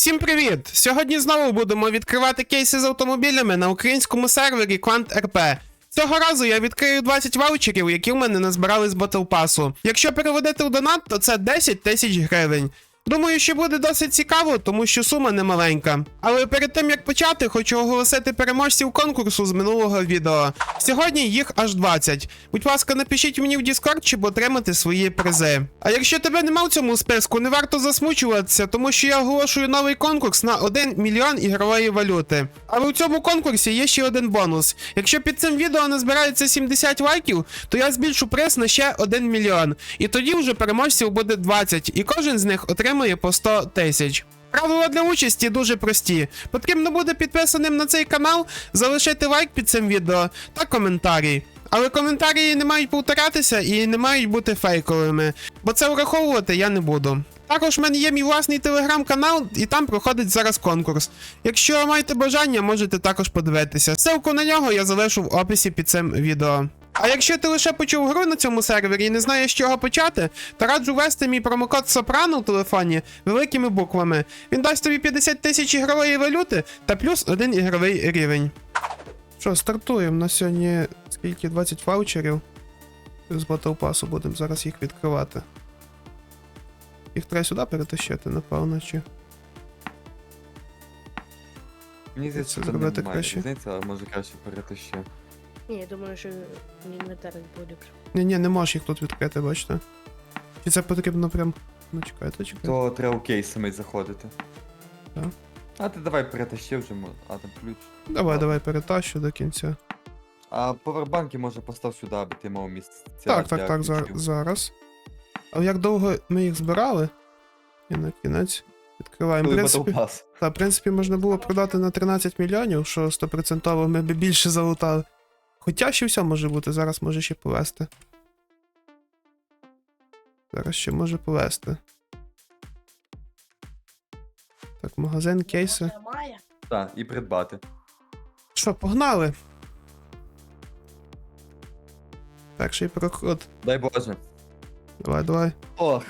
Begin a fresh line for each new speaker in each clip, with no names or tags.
Всім привіт! Сьогодні знову будемо відкривати кейси з автомобілями на українському сервері QuantRP. Цього разу я відкрию 20 ваучерів, які в мене назбирали з Battle Pass'у. Якщо переводити в донат, то це 10 тисяч гривень. Думаю, що буде досить цікаво, тому що сума не маленька. Але перед тим як почати, хочу оголосити переможців конкурсу з минулого відео. Сьогодні їх аж 20. Будь ласка, напишіть мені в Discord, щоб отримати свої призи. А якщо тебе нема в цьому списку, не варто засмучуватися, тому що я оголошую новий конкурс на 1 мільйон ігрової валюти. Але у цьому конкурсі є ще один бонус. Якщо під цим відео назбирається 70 лайків, то я збільшу приз на ще 1 мільйон. І тоді вже переможців буде 20, і кожен з них отримає по 100 тисяч. Правила для участі дуже прості. Потрібно буде підписаним на цей канал, залишити лайк під цим відео та коментарі. Але коментарі не мають повторятися і не мають бути фейковими, бо це враховувати я не буду. Також в мене є мій власний телеграм-канал, і там проходить зараз конкурс. Якщо маєте бажання, можете також подивитися. Ссылку на нього я залишу в описі під цим відео. А якщо ти лише почув гру на цьому сервері і не знаєш, з чого почати, то раджу ввести мій промокод Soprano в телефоні великими буквами. Він дасть тобі 50 тисяч ігрової валюти та плюс 1 ігровий рівень. Що, стартуємо на сьогодні, скільки, 20 ваучерів. З Battle Pass'у будемо зараз їх відкривати. Їх треба сюди перетащити, напевно, чи...
Мені здається,
Це
що там
зробити
немає
краще?
різниці, але може краще перетащи.
Ні, я думаю, що інвентар буде.
Ні, не можеш їх тут відкрити, бачите. Чи це потрібно прям... Ну, чекайте.
То треба у кейс самий заходити.
Так.
А ти давай перетащи вже, а там ключ.
Давай, перетащу до кінця.
А повербанки може постав сюди, аби ти мав місце.
Так, зараз. А як довго ми їх збирали? І на кінець відкриваємо. В принципі, можна було продати на 13 мільйонів, що 100% ми б більше залутали. Хоча ще все може бути, зараз може ще повести. Зараз ще може повести. Так, магазин, кейси.
Так, і придбати.
Що, погнали? Перший проход.
Дай Боже.
Давай.
Ох.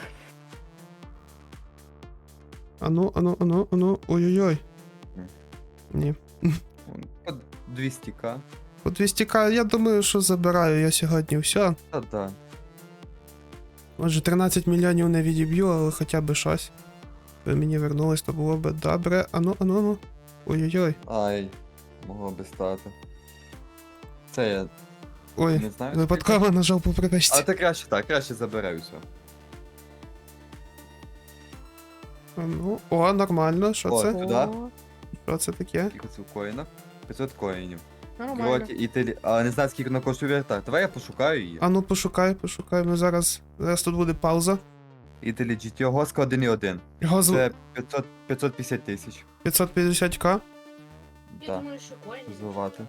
Ану. Ой-ой-ой. Ні.
По 200к.
По 200к, я думаю, що забираю я сьогодні все.
Та-да.
Може 13 мільйонів не відіб'ю, але хоча б щось. Ви мені вернулись, то було б добре. Ану. Ой-ой-ой.
Ай, могло би стати. Це я
Ой,
не знаю.
випадково нажав по припечці.
А ти краще забирай все.
Ну, о, нормально, що
О,
це?
туди.
Що це таке?
Скільки це в коїнах? 500 коїнів.
Нормально.
Кроки, а не знаю, скільки вона коштує вертак. Давай я пошукаю її.
Ану, пошукай, ми зараз тут буде пауза.
Італі GTO Госка 1.1.
Його
Це 550 тисяч.
550к?
Я
Так,
думаю, що коїн.
розвивати.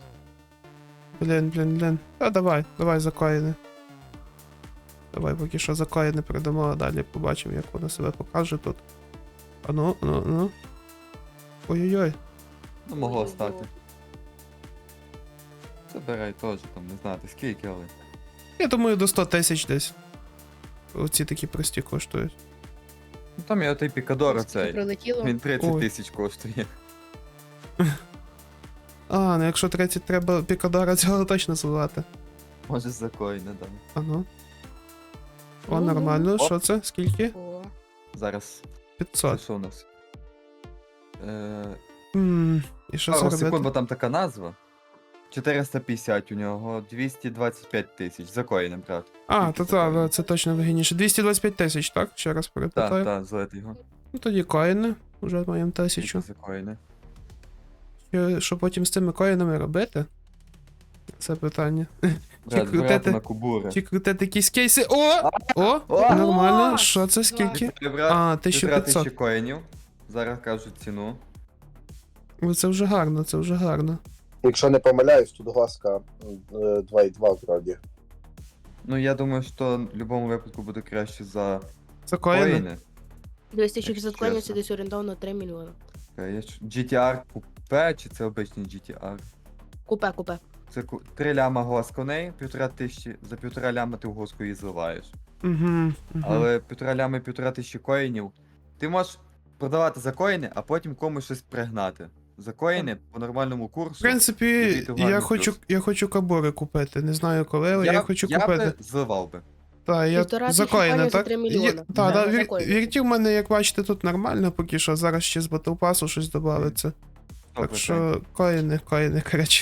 Блін. А давай за коїни. Давай поки що за коїни передамо, а далі побачимо, як вона себе покаже тут. Ану. Ой-ой-ой.
Ну, могло стати. Забирай теж, там, не знати скільки, але.
Я думаю, до 100 тисяч десь. Оці такі прості коштують.
Ну там є отей Пікадор оцей.
Прилетіло.
Він 30
Ой.
тисяч коштує.
А, ну якщо 30 треба пікадора, цього точно звати.
Може за коїни, да.
Ану. О,
Ну,
нормально.
Оп.
Що це? Скільки?
О,
Зараз. Це
500.
що у нас?
І що це
Пару секунд, бо
робити?
там така назва. 450 у нього, 225 тисяч. За коїнем, брат.
А,
Тільки
то
за коїни.
це точно вигідніше. 225 тисяч, так? Ще раз перепитаю.
Так, злити його.
Ну тоді коїни. Вже маємо
Тільки
1000.
за коїни.
Що потім з цими коїнами робити? Це питання.
Брат,
крутити.
збирати на кубури.
Чи крутити якісь кейси? О, нормально. Що це? Скільки?
Вітаю, брат.
А,
1500
1500.
коїнів. Зараз кажуть ціну.
Ну, це вже гарно.
Якщо не помиляюсь, тут глазка 2,2 вроді.
Ну я думаю, що в будь-якому випадку буде краще за
Це коїни?
коїни.
2600 коїнів це
Чесно.
десь орієнтовно 3 мільйони.
GTR купе чи це обичний GTR?
Купе.
Це 3 ляма глаз коней, 1500, за 1,5 ляма ти в госку її зливаєш.
Угу.
Але 1,5 ляма і 1500 коїнів. Ти можеш продавати за коїни, а потім комусь щось пригнати. За коїни по нормальному курсу.
В принципі,
Вийти в гарний
я хочу кабори купити. Не знаю коли, але я хочу купити.
би зливав би.
Так, я
1,5
за
тисячі
коїни,
коїнів за
так?
3 мільйони.
Так,
Да,
так,
за коїни.
віртів в мене, як бачите, тут нормально поки що. Зараз ще з Battle Pass щось додається. Так
100%.
що коїни, коротше.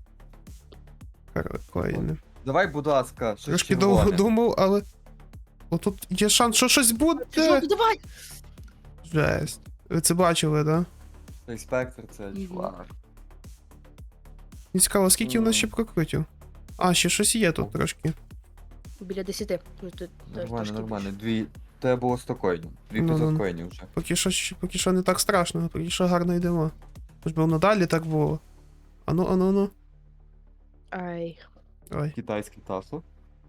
Коїни.
Давай, будь ласка, щось
Трошки довго
червоне.
думав, але. Отут є шанс, що щось буде.
Жовтий, давай!
Жесть. Ви це бачили, так?
Цей спектр, це
Мгм.
чувак.
Не цікаво, скільки у нас ще прокрутів? А, ще щось є тут трошки.
Біля 10. Ну, тут теж
Нормально,
трошки
нормально. Тебе було 100 коїнів. 2500
Ну-ну.
коїнів вже.
Поки що не так страшно, поки що гарно йдемо. Хоч би надалі так було. Ану.
більше. Ай.
Ой,
Китайський тасло.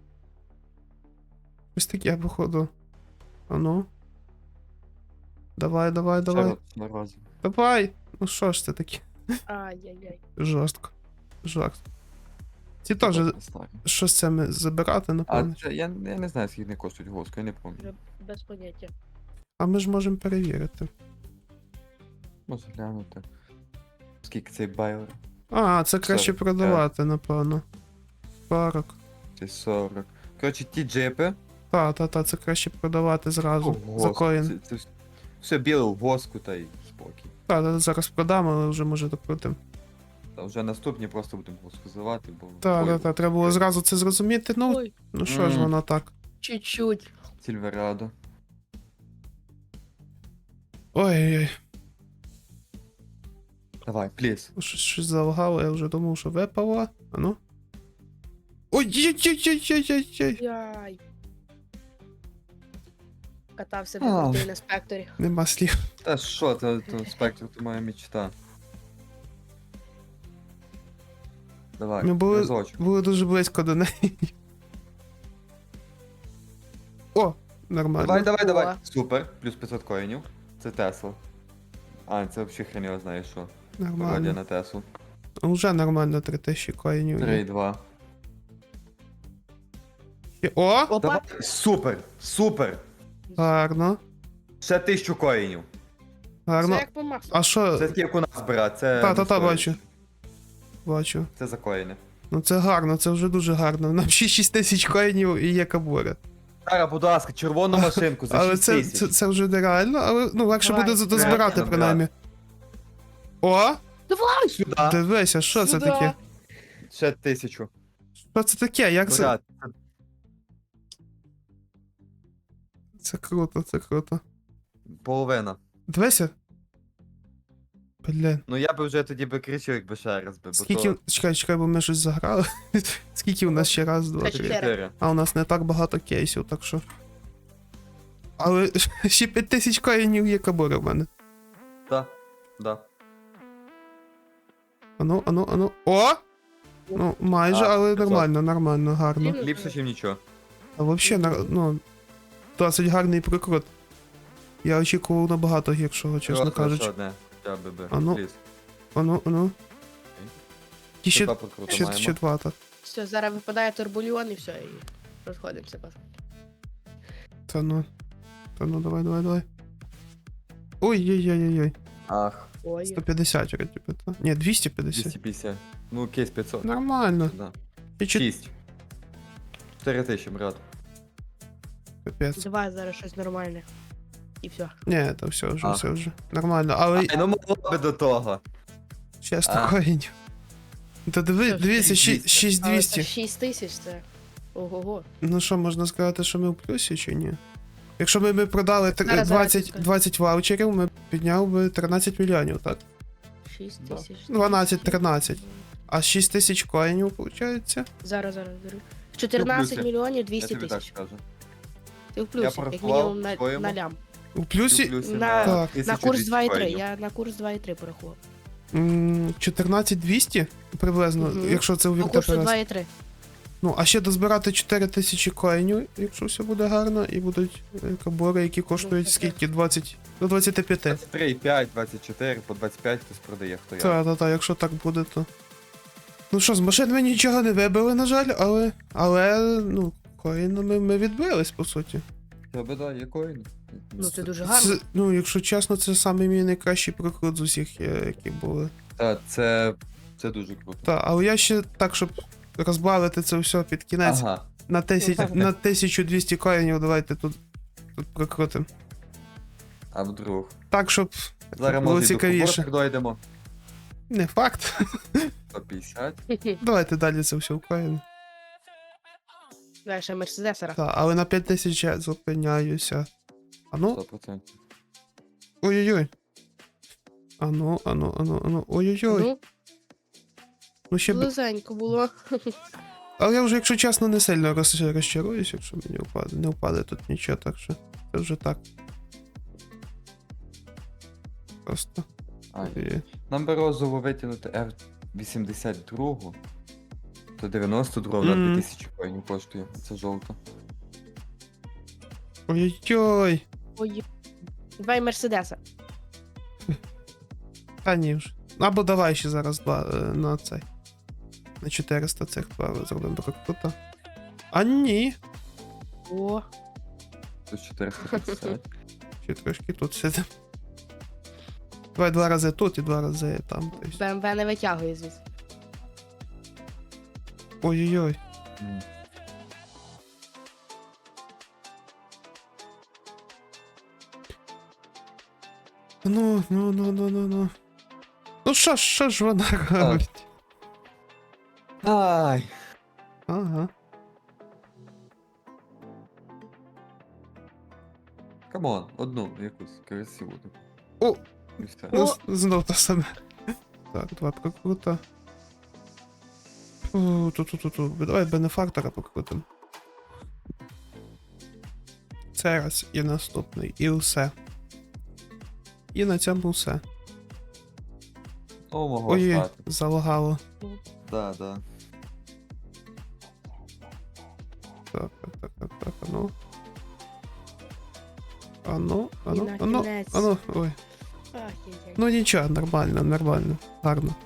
ось таке, походу. Ану. Давай.
Наразі.
Давай! Ну що ж це таке?
Ай-яй-яй.
Жорстко. Ці теж щось це ми забирати,
А
напевно.
це, я не знаю, скільки вони коштують госку, я не пам'ятаю.
Вже без поняття.
А ми ж можемо перевірити.
Можу глянути. Скільки цей байлер?
А, це краще
40,
продавати, напевно. 40.
Це 40. Коротше, ті джипи.
Та, це краще продавати зразу. За коїн.
Це все біле в воску та й спокій.
Та, зараз продам, але вже може докрутим.
Та вже наступні просто будемо воску зливати, бо...
Та, треба було зразу це зрозуміти.
Ой,
Ну що ж воно так.
чуть-чуть.
Сільверадо.
Ой-ой-ой,
Давай, пліс.
щось залагало, я вже думав, що випало. А ну. Ой-ой-ой-ой-ой-ой-ой.
Яй. Катався
А.
в на спекторі.
Нема слів.
Та що, це спектр, то моя мечта. Давай,
Ми були-
разочок.
Було дуже близько до неї. О, нормально.
Давай.
О.
Супер, плюс 500 коїнів. Це Тесла. А, це взагалі хрен його знає що. Пародія
Нормально.
на Теслу.
Уже нормально 3000 коїнів. є.
3,2.
О,
Опа.
Давай, супер.
гарно.
Ще 1000 коїнів.
Це
Гарно.
як по Максу.
А що?
Це такі, як у нас брат, це...
Та,
не стоїть.
бачу. Бачу.
Це за коїни.
Ну це гарно, це вже дуже гарно. Нам ще 6000 коїнів і є кабури.
Зараз, будь ласка, червону машинку за
Але
6
це,
тисяч.
це вже нереально, але ну легше
Давай.
буде дозбирати
Реально,
принаймні. О!
Давай!
Сюди.
Дивися, що це
Сюди.
таке?
Ще 1000.
Що це таке? Як це?
Брат,
Це круто.
половина.
Дивися. Блін.
Ну я би вже тоді би кричив, якби ще раз би, бо
Скільки.
то
Чекай, бо ми щось заграли. Скільки у нас ще раз, два,
Та
три.
4.
А у нас не так багато кейсів, так що. Але ще 5000 коїнів є кабури в мене.
Да.
Ану. О! Ну, майже,
А,
але
500.
нормально, гарно.
Ліпше, ніж нічого.
А взагалі, ну, досить гарний прикрут. Я очікував набагато гіршого, чесно
Просто
кажучи.
ще одне. Я би.
А ну.
Пліз.
Ану. І ще,
Два покрута
ще
маємо.
два, так.
Все, зараз випадає турбульон і все, і розходимося.
Та ну, давай. Ой.
Ах,
Ой.
150 вроді би, та. Ні, 250.
250. Ну, кейс 500.
Нормально.
Да.
І
6. 4000, брат.
капець.
Давай зараз щось нормальне. І все.
Ні, то все
А.
вже. Нормально, але
Ай, ну могло би до того.
ще
А.
100 коїнів. Та
Все,
дивіться,
6200.
6200.
6 тисяч це. Ого-го.
Ну що, можна сказати, що ми в плюсі чи ні? Якщо б ми продали
Зараз,
20 ваучерів, ми підняв би 13 мільйонів, так?
6
Да.
тисяч.
12-13. А 6 тисяч коїнів, виходить?
Зараз. 14
плюсі.
мільйонів
Я
200
тобі так
тисяч.
скажу.
Ти в плюсі, як
порахував
мінімум
своєму.
на лям.
У плюсі
Плюсі
На-
Так.
На курс
1200
2,3.
коїнів.
Я на курс 2,3 порахував.
14200 приблизно,
Мгм.
якщо це у
По курсу
віртоперес.
2,3.
Ну, а ще дозбирати 4000 коїнів, якщо все буде гарно, і будуть кабори, які коштують
Ну,
скільки? 20 до 25.
23,5, 24, по 25 хтось продає, хто я.
Та, якщо так буде, то. Ну що, з машин ми нічого не вибили, на жаль, але ну, коїнами ми відбились, по суті.
Тебе да, є коїни.
Ну, це дуже гарно.
Це, ну, якщо чесно, це саме мій найкращий прокрут з усіх, які були.
Та, це дуже круто.
Та, але я ще так, щоб розбавити це все під кінець.
Ага.
На 1200 коїнів давайте тут прокрутимо.
А вдруг.
Так, щоб
Зараз
було
може і до
цікавіше.
куборок дойдемо.
Не факт.
150.
Давайте далі це все в коїни.
Давай ще Мерседесера.
Так, але на 5000 я зупиняюся. А ну,
100%.
ой-ой-ой. Ану. Ой-ой-ой.
Ну,
Ну ще б.
близенько було.
Але я вже, якщо чесно, не сильно розчаруюсь, якщо мені не впаде тут нічого, так що це вже так. Просто.
Ай.
І-
Нам би розово витягнути R82, то 92 на
Мгм.
2000 коїнів коштує. Це жовто.
Ой-ой-ой.
Ой. Давай Мерседеса.
Та ні вже. Або давай ще зараз два на цей. На 400 цих два зробимо так круто. А ні.
О,
Тут 450.
Ще трошки тут сидимо. Давай два рази тут і два рази там. Тобто.
БМВ не витягує звідси.
Ой-ой-ой.
М.
Ну. Ну що ж вона робить?
Ай!
Ага.
Камон, одну якусь красиву таку.
О!
І все.
Ну, знов те саме. Так, два прокрута. Тут. Давай бенефактора покрутим. Це раз і наступний, і все. І на цьому все.
О, мого
Ой,
хватить.
залагало.
Да.
Так, ану. Ану.
на кінець.
Ой.
Ай-яй-яй.
Ну нічого, нормально. Гарно.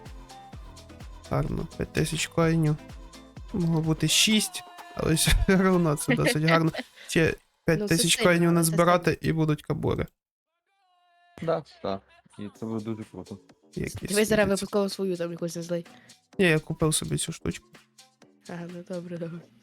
5000 коїнів. Могло бути 6, але все одно це досить гарно. Ще 5000
це
коїнів
сильно, це
назбирати і будуть кабури.
Да. І це буде дуже круто.
Якісь
Дивись, зараз
світяться.
випадково свою там якусь не злий.
Ні, я купив собі цю штучку.
Ага, ну добре.